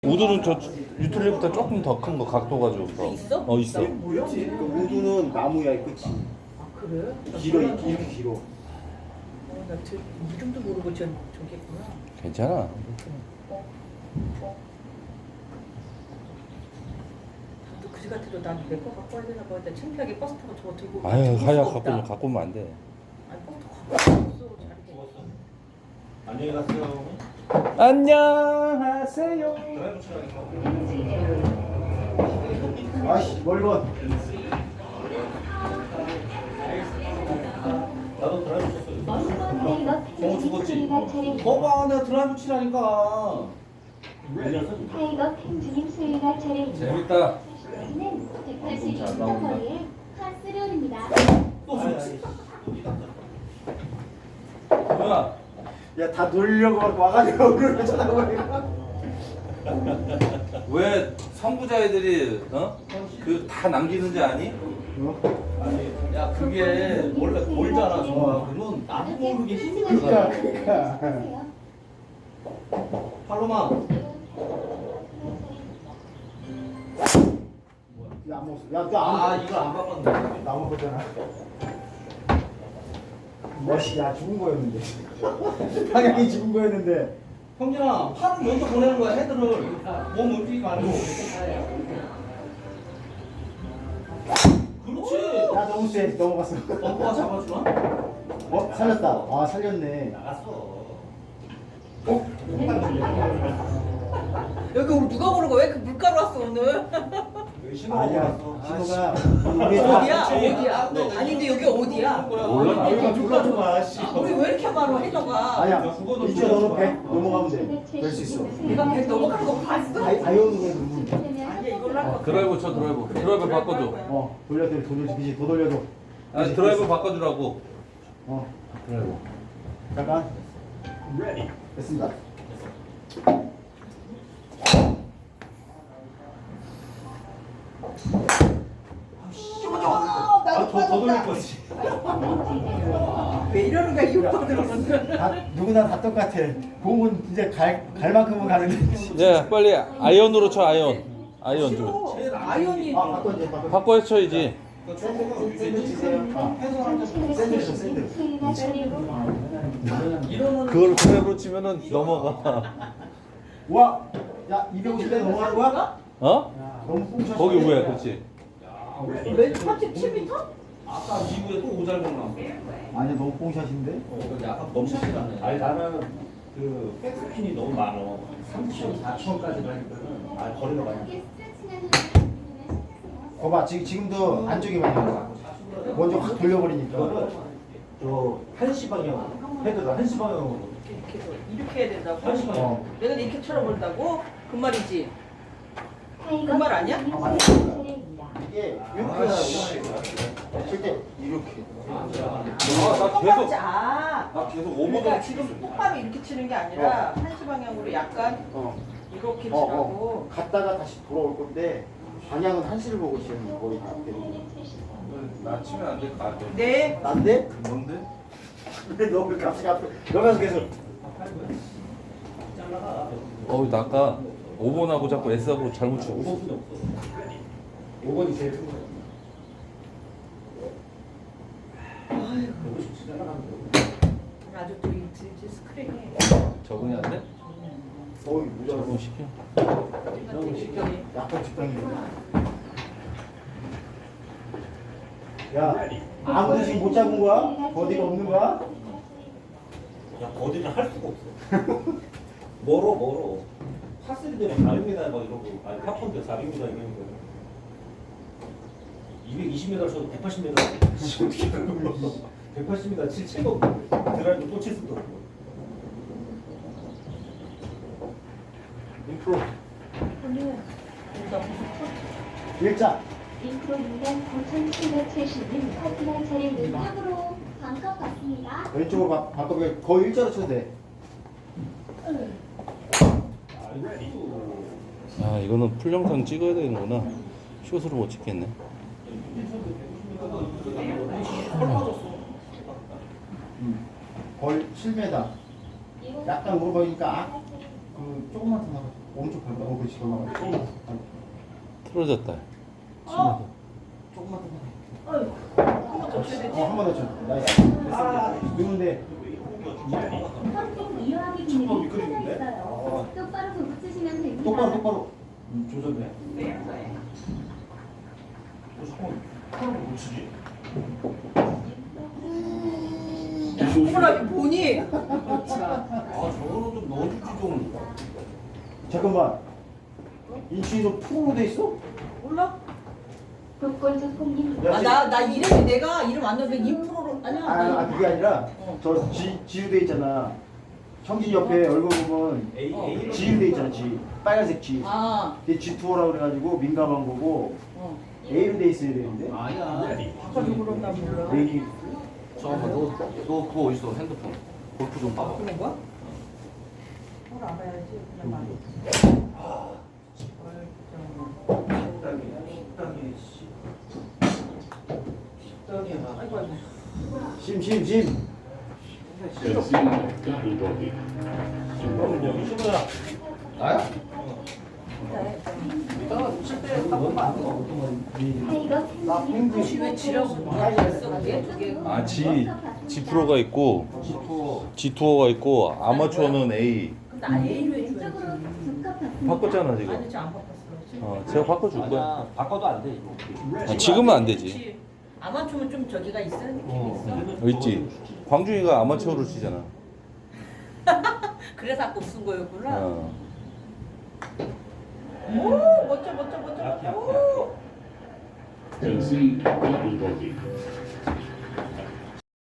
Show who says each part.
Speaker 1: 우드는 저 유틸리보다 조금 더 큰 거 각도가 좋다.
Speaker 2: 있어?
Speaker 1: 있어.
Speaker 3: 뭐였지? 그 우드는 나무야 이 끝이.
Speaker 2: 아 그래?
Speaker 3: 길어 이렇게 길어.
Speaker 2: 나 이름도 모르고 저겠구나.
Speaker 1: 괜찮아.
Speaker 2: 또 그지 같아도 난 내 거 갖고 와야 되나 봐. 나 창피하게 버스 타고 저거 들고.
Speaker 1: 아유,
Speaker 2: 들고
Speaker 1: 하야
Speaker 2: 수가 없다.
Speaker 1: 갖고 오면 안 돼.
Speaker 2: 아니 버스 갖고 왔어. 자리게.
Speaker 4: 안녕히 가세요.
Speaker 1: 안녕하세요.
Speaker 3: 아씨 멀건.
Speaker 4: 나도 드라이브 쳤어.
Speaker 5: 타이거
Speaker 4: 죽었지?
Speaker 5: 팬 차례.
Speaker 4: 거봐, 내가 드라이브 치라니까.
Speaker 5: 타이거 팬주님 수요일날 차례입니다.
Speaker 1: 재밌다.
Speaker 5: 는 182m 거리에 카스롤입니다.
Speaker 4: 또 죽었지.
Speaker 1: 뭐야?
Speaker 3: 야다 놀려고 막 와가지고 오늘 쳐다보니까.
Speaker 1: 왜 선구자 애들이 그 다 남기는지 아니?
Speaker 4: 아니, 야, 그게 원래 몰잖아, 정말. 그러면 나도 모르게 힘들어.
Speaker 3: 그러니까.
Speaker 4: 팔로마.
Speaker 3: 야안 먹었어. 야너안
Speaker 4: 이거 안 바꿨네.
Speaker 3: 나무 거잖아. 멋이 야 죽은 거였는데. 방향이 죽은 거였는데.
Speaker 4: 형진아, 팔을 먼저 보내는 거야, 헤드를. 몸 움직이지 말고. 그렇지.
Speaker 3: 야 너무 세 넘어갔어.
Speaker 4: 벙커가 잡아주나?
Speaker 3: 살렸다. 아 살렸네.
Speaker 4: 나갔어.
Speaker 2: 여기 오늘 누가 고른 거야? 왜 그 물가로 왔어 오늘?
Speaker 4: 신호가
Speaker 3: 아니야
Speaker 4: 왔어.
Speaker 3: 신호가 우리
Speaker 2: 어디야?
Speaker 4: 그렇지.
Speaker 2: 어디야? 아니 근데 여기 어디야?
Speaker 1: 몰라.
Speaker 3: 여기가 눌러줘봐. 씨.
Speaker 2: 우리 왜 이렇게 많아 해저가?
Speaker 3: 아니야 이쪽 너는 100 넘어가면 돼. 될 수 있어.
Speaker 2: 내가 100 넘어간 거 봤어?
Speaker 3: 아이오는 누구?
Speaker 2: 아니야 이걸로 할 거야.
Speaker 1: 드라이브 쳐 드라이브. 드라이브 바꿔줘.
Speaker 3: 돌려줘 그지 더 돌려줘.
Speaker 1: 아니 드라이브 바꿔주라고.
Speaker 3: 드라이브. 잠깐. 됐습니다.
Speaker 4: 더 돌릴 거지.
Speaker 2: 왜 이러는 거야 이 오빠들은?
Speaker 3: 누구나 다 똑같아. 공은 이제 갈 만큼은 가는데.
Speaker 1: 네, 빨리 아이언으로 쳐 아이언. 아이언 좀.
Speaker 2: 아이언이
Speaker 3: 바꿔 이제 바꿔.
Speaker 1: 바꿔 쳐야지.
Speaker 3: 샌드 치세요. 샌드 샌드.
Speaker 5: 수요일날 차례입니다.
Speaker 1: 그걸 드라이브로 치면은 넘어가.
Speaker 3: 와, 야 250대 넘어가는 거야? 너무 꽁쳤어.
Speaker 1: 거기 뭐야, 그렇지?
Speaker 2: 왜 37m?
Speaker 4: 아까 이후에 또 오잘못 나왔어.
Speaker 3: 아니 너무 꽁샷인데.
Speaker 4: 여기 아까 너무 실하네.
Speaker 6: 아니 나는 그 백스핀이 너무 많어. 3천, 4천까지 가니까는 거리가 많이.
Speaker 3: 봐봐 지금도 안쪽에 많이 가. 먼저 확 돌려버리니까.
Speaker 6: 이거는 저 1시 방향 헤드가 1시 방향으로.
Speaker 2: 이렇게 해야 된다고?
Speaker 3: 어.
Speaker 2: 내가 이렇게 쳐다본다고? 그 말이지?
Speaker 5: 타이거
Speaker 2: 그말 아니야?
Speaker 5: 팬주님 수요일날 차례입니다.
Speaker 3: 이게 이렇게 하고 칠때 이렇게.
Speaker 1: 나 계속
Speaker 2: 나
Speaker 1: 계속
Speaker 2: 그러니까 지금 똑바로 이렇게 치는 게 아니라 한시 방향으로 약간 이렇게 치라고.
Speaker 3: 갔다가 다시 돌아올 건데 방향은 한시를 보고 치는 거의 다 되는.
Speaker 1: 나 치면 안 될 것 같아.
Speaker 2: 네.
Speaker 3: 난데?
Speaker 1: 뭔데?
Speaker 3: 왜 너무 갑자기 앞에 여기 가서 계속.
Speaker 1: 나 아까 5번하고 자꾸 S하고 잘못 치고.
Speaker 6: 5번이 제일 큰 거야.
Speaker 2: 아주 또 이 스크린이
Speaker 1: 적응이 안 돼?
Speaker 3: 어이 무자.
Speaker 1: 적응 시켜.
Speaker 3: 약간 적당히. 야 아무도 지금 못 잡은 거야? 버디가 없는 거야?
Speaker 6: 야 거리는 할 수가 없어. 멀어. 파3 되면 400m 막 이러고 아니 파4인데 400m 이러는 거야. 220m 쳐도 180m 어떻게 하는 거야? 180m 칠 채가 없는데 드라이브 또 칠 수도 없고.
Speaker 3: 인프로
Speaker 2: 오늘
Speaker 3: 일자.
Speaker 5: 인프로 6단 9770님 커피날 차례입니다.
Speaker 7: 으로 반컵 받습니다.
Speaker 3: 왼쪽으로 바꿔 거의 일자로 쳐도 돼.
Speaker 1: 아, 이거는 풀 영상 찍어야 되는구나. 숏으로 못 찍겠네.
Speaker 3: 거의 7m. 약간 오르막이니까 그 조금만 더 나가. 오른쪽 밟아. 그렇지. 넘어가.
Speaker 1: 틀어졌다.
Speaker 2: 조금만 더. 어이구. 한번 더 쳐야 되지.
Speaker 3: 한 번 더 쳐. 나이스. 됐어. 누군데?
Speaker 5: 펌핑 이용하기 기능이 켜져 있어요. 똑바로 붙이시면 됩니다.
Speaker 3: 똑바로.
Speaker 4: 조졌네.
Speaker 2: 네, 네.
Speaker 6: 잠깐만 못 치지?
Speaker 2: 호랑이 보니? 자,
Speaker 4: 아 저거는 좀 넣어주지 좀.
Speaker 3: 잠깐만. 인치도 프로로 돼 있어?
Speaker 2: 몰라?
Speaker 5: 독골조 콩님
Speaker 3: 야,
Speaker 2: 나 이름이 내가 이름 안 넣으면 인프로로 아니야.
Speaker 3: 아, 그게 아니라
Speaker 2: 어.
Speaker 3: 저 지우돼 있잖아. 형진 옆에 얼굴 보면
Speaker 6: A로
Speaker 3: 지우돼 있잖아. 지 빨간색 지.
Speaker 2: 아,
Speaker 3: 그게 G2라고 그래가지고 민감한 거고
Speaker 2: 어.
Speaker 3: A로 돼 있어야 되는데.
Speaker 4: 아니야.
Speaker 2: 바꿔서 그런다 몰라.
Speaker 3: A이
Speaker 4: 잠깐만 너 그거 어딨어 핸드폰. 골프 좀 봐봐.
Speaker 2: 바꾸는 거야? 뭘 알아야지. 그냥 말이야. 아이고 아이고.
Speaker 3: 심.
Speaker 6: 그럼 여기 심어야.
Speaker 4: 나야?
Speaker 2: 이따가 칠때 바꾸면 안 돼.
Speaker 5: 타이거
Speaker 3: 나 펭귄.
Speaker 2: 혹시 왜 지라고 있어? 그게 두 개.
Speaker 1: 아, G 프로가 있고
Speaker 4: 지투어.
Speaker 1: G 투어가 있고 아마추어는 A.
Speaker 2: 근데 아예 A로 해줘야지.
Speaker 5: 왼쪽으로 두 컵 받습니다.
Speaker 1: 바꿨잖아 지금.
Speaker 2: 아니 저안 바꿨어.
Speaker 1: 제가 바꿔줄 거야.
Speaker 4: 아니야 바꿔도 안 돼 이거.
Speaker 1: 지금은 안 되지.
Speaker 2: 그렇지. 아마추어는 좀 저기가 있어. 느낌이 있어.
Speaker 1: 있지. 광준이가 아마추어로 치잖아.
Speaker 2: 그래서 아까 쓴 거였구나.
Speaker 1: 어.
Speaker 2: 오, 멋져. 오.
Speaker 8: Concede double bogey.